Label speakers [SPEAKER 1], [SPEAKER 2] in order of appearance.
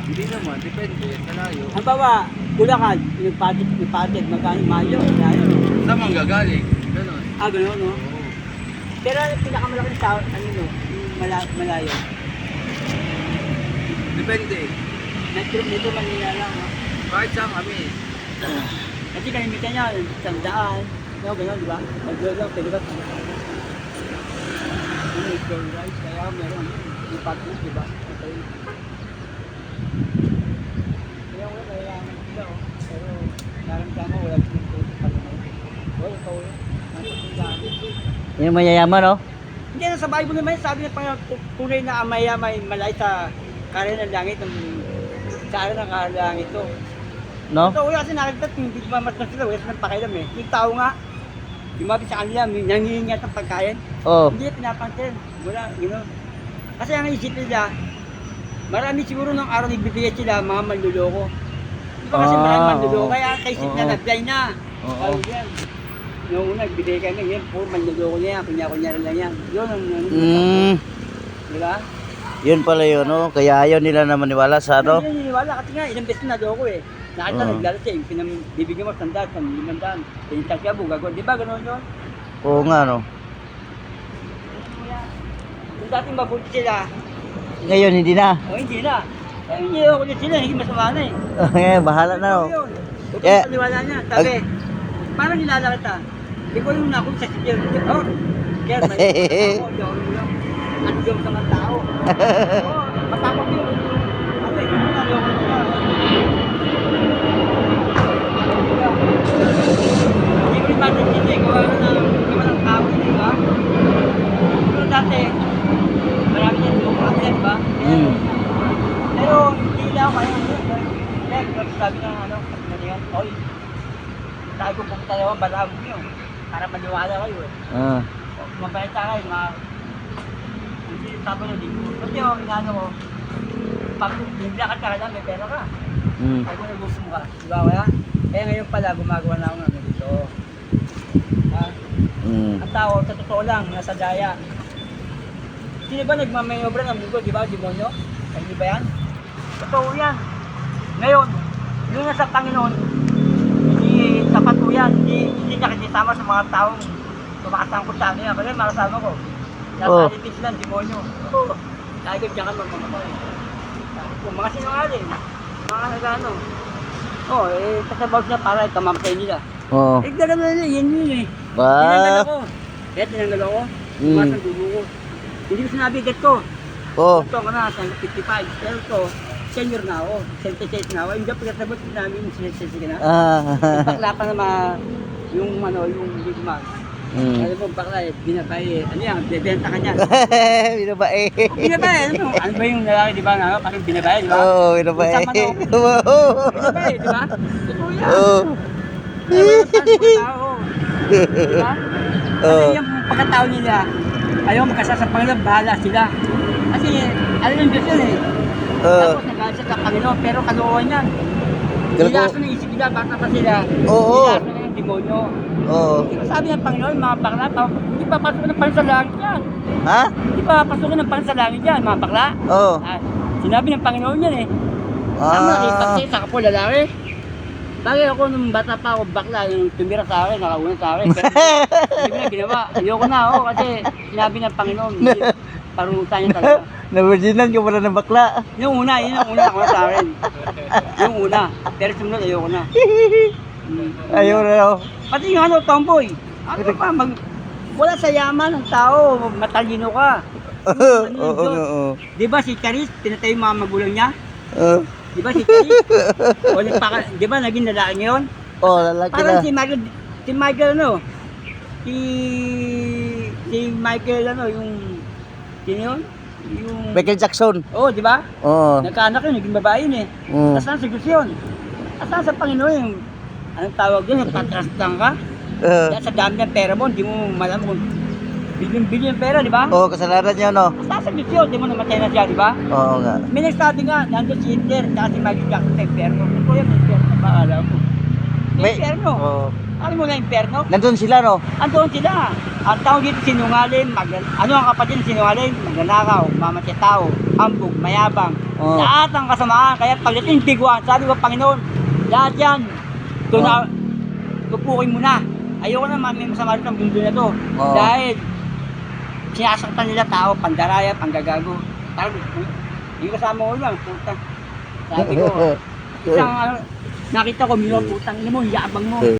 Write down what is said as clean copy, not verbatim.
[SPEAKER 1] Hindi naman, depende. Kalayo.
[SPEAKER 2] Ang bawa, Bulacan, yung patit, magkano mayo, layo.
[SPEAKER 1] Saan man gagaling? Ganon.
[SPEAKER 2] Gano'n, no?
[SPEAKER 1] Oo.
[SPEAKER 2] Pero yung pinakamalaking tao, ano no, yung malayo.
[SPEAKER 1] Depende.
[SPEAKER 2] Dito Manila lang, no?
[SPEAKER 1] Kahit saan kami.
[SPEAKER 2] Kasi kalimitan niya, sandaan, no, gano'n, di ba? Nag-roll lang, pwede ba? Yung equal rights, kaya meron, yung patit, di ba? Okay. Kaya wala, kailangan sila, oh. Pero, naramdaman, wala silang tulong pa naman. Wala, ikaw yun.
[SPEAKER 3] Yung mayayaman, no?
[SPEAKER 2] Hindi na sa Bible naman, sabi niya pa tunay na amaya may malay sa kare ng langit, sa araw ng langit to.
[SPEAKER 3] No?
[SPEAKER 2] Ito kasi nakikita, hindi mamas na sila, wala silang pakialam eh. Yung tao nga, lumabi sa kanila, nangihingat ng pagkain,
[SPEAKER 3] Oo.
[SPEAKER 2] hindi na pinapansin. Wala, gano'n. Kasi ang isip nila, marami siguro ng araw nagbibigay sila, mga manluloko. Di ba kasi marami manluloko, kaya kaisip na
[SPEAKER 3] Oo.
[SPEAKER 2] nag-blind na.
[SPEAKER 3] Oo.
[SPEAKER 2] Ano yan? Noong una, nagbibigay kami, yan, puro manluloko niya yan, kunya-kunyari lang yan. Yun ang di ba?
[SPEAKER 3] Yun pala yun, no? Kaya ayaw nila na maniwala sa ano?
[SPEAKER 2] Hindi niniwala kasi nga, ilang beses na loko eh. Nakita,
[SPEAKER 3] Oo.
[SPEAKER 2] naglala siya, yung bibigyan mo, sandaan, 500, pinintang siya, gagawin. Di ba, gano'n yun?
[SPEAKER 3] Oo nga, no?
[SPEAKER 2] Kung dating mabuti sila,
[SPEAKER 3] Ngayon, hindi na.
[SPEAKER 2] o hindi na. Kaya hindi ako ulit sila, hindi masama na eh.
[SPEAKER 3] Bahala na, no?
[SPEAKER 2] Yun. Huwag
[SPEAKER 3] Yeah.
[SPEAKER 2] kang paniwala niya. Sabi, parang nilala kita. Hindi ko yung nakong sa sikil. Oh, kaya may ako, ang diyom sa mga tao. Oo, matapos yun. Ano eh, hindi na loko nila. Hindi ko rin matintindi kung ano na gawa ng tao, di ba? Pero dati, marami niya loko kami, di ba? Pero hindi lang ako kaya sabi ng ano, kasi oy, sabi ko pumunta naman, balaan mo yun, para maniwala kayo eh. Mabalita kayo, hindi sabi nyo, di ko. Kasi yung inano ko, pag biblakan ka lang, may pera ka. Sabi ko, gusto mo ka, di ba kaya? Kaya ngayon pala, gumagawa na ako ng dito. Ha? Ang tao, sa totoo lang, nasa daya. Sino ba nagmamayobra ng mundo, di ba, demonyo? Hindi ba yan? Totoo yan. Ngayon, yung nasa Panginoon, hindi sapat po yan. Hindi nakikisama sa mga taong tumakasangkot sa akin. Kasi makasama ko. Nasa alipis lang, demonyo. Lagi ko dyan ka magmamakoy. Kung mga sinungaling, mga nagano. Kasabaw siya para ikamatay nila.
[SPEAKER 3] Oo.
[SPEAKER 2] Gano'n nila, yun eh.
[SPEAKER 3] Ba?
[SPEAKER 2] Tinanggal ako. Kaya tinanggal ako. Tumas ang dulo ko. Hindi ko sinabi, get ko.
[SPEAKER 3] Oo.
[SPEAKER 2] Ito ka na, 55. Pero ito, senior na ako. 76 na ako. Hindi ako pagkasabot namin, 76 ka na. Bakla pa na yung ano, yung ligman. Alam mo, bakla eh, binabay eh. Ano yan, bebenta ka niya.
[SPEAKER 3] Binabae.
[SPEAKER 2] Binabay, ano ba yung lalaki, di ba nga, parang binabay, di ba?
[SPEAKER 3] Oo, binabae.
[SPEAKER 2] Sa manok. Binabay, di ba? Totoo yan.
[SPEAKER 3] Oo.
[SPEAKER 2] Ayaw mo yung tao. Di ba? Kasi yung pagkatao nila, ayaw magkasal sa Panginoon, bahala sila. Kasi, alam yung Diyos yun eh. Tapos nagalit siya sa Panginoon, pero kaloohan yan. Nilaso ng isip nila, bata pa sila.
[SPEAKER 3] Oo.
[SPEAKER 2] Nilaso na yung demonyo.
[SPEAKER 3] Oo.
[SPEAKER 2] Sabi ng Panginoon, mga bakla, hindi pa pasok ng Panginoon sa langit yan.
[SPEAKER 3] Ha?
[SPEAKER 2] Hindi pa pasok ng Panginoon sa langit yan, mga bakla.
[SPEAKER 3] Oo.
[SPEAKER 2] Sinabi ng Panginoon yan eh. Tama, ipagsi sa kapo lalaki. Bagay ako nung bata pa ako, bakla, yung tumira sa akin, nakauna sa akin. Pero hindi ko na ginawa. Ayoko na ako kasi sinabi ng Panginoon, hindi, parunutan niya talaga.
[SPEAKER 3] Navirginan ka pala ng bakla.
[SPEAKER 2] Yung una, yun ang una ako sa akin. Yung una. Pero sumunod, ayoko na.
[SPEAKER 3] Ayaw na ako.
[SPEAKER 2] Pati yung ano, tomboy. Ano pa, wala sa yaman ng tao, matalino ka.
[SPEAKER 3] Oo.
[SPEAKER 2] Di ba si Charis, pinatay yung mga magulang niya?
[SPEAKER 3] Oo.
[SPEAKER 2] Di ba si Charis? Di ba naging lalaki ngayon?
[SPEAKER 3] Oo, lalaki
[SPEAKER 2] Parang
[SPEAKER 3] na.
[SPEAKER 2] si Michael ano? Si Michael ano, yung, sino yun? Yung,
[SPEAKER 3] Michael Jackson.
[SPEAKER 2] di ba?
[SPEAKER 3] Oo.
[SPEAKER 2] Nagkaanak yun, naging babae yun eh. Nasaan sa Diyos yun? Nasaan sa Panginoon yung, anong tawag doon, patrastang ka? Kaya sa dami ng pera mo, hindi mo malaman kung bilyon-bilyon pera, di ba?
[SPEAKER 3] Oo, kasalanan niya, no?
[SPEAKER 2] Nasaan sa Diyos yun, di mo namatay na siya, di ba?
[SPEAKER 3] Oo nga.
[SPEAKER 2] May nagsabi nga, nandun si Hitler, tsaka si Michael Jackson sa impyerno. Ito yung impyerno, maalam mo. May impyerno.
[SPEAKER 3] Oo.
[SPEAKER 2] Alam mo na impyerno?
[SPEAKER 3] Nandun sila, no?
[SPEAKER 2] Andoon sila. Ang tao dito sinungaling, ano ang kapatid ng sinungaling? Magnanakaw, mamatya tao, hambog, mayabang.
[SPEAKER 3] Oo.
[SPEAKER 2] Lahat ng kasamaan, kaya pagdating tiguan, sabi ko, Panginoon, lahat yan, tupukin mo na. Ayoko na may masama rin ang mundo na to.
[SPEAKER 3] Oo.
[SPEAKER 2] Dahil sinasaktan nila tao, pandaraya, panggagago. Parang, yung kasama ko lang, puta. Sabi ko, isang nakita ko, minor putang ina mo, yabang mo.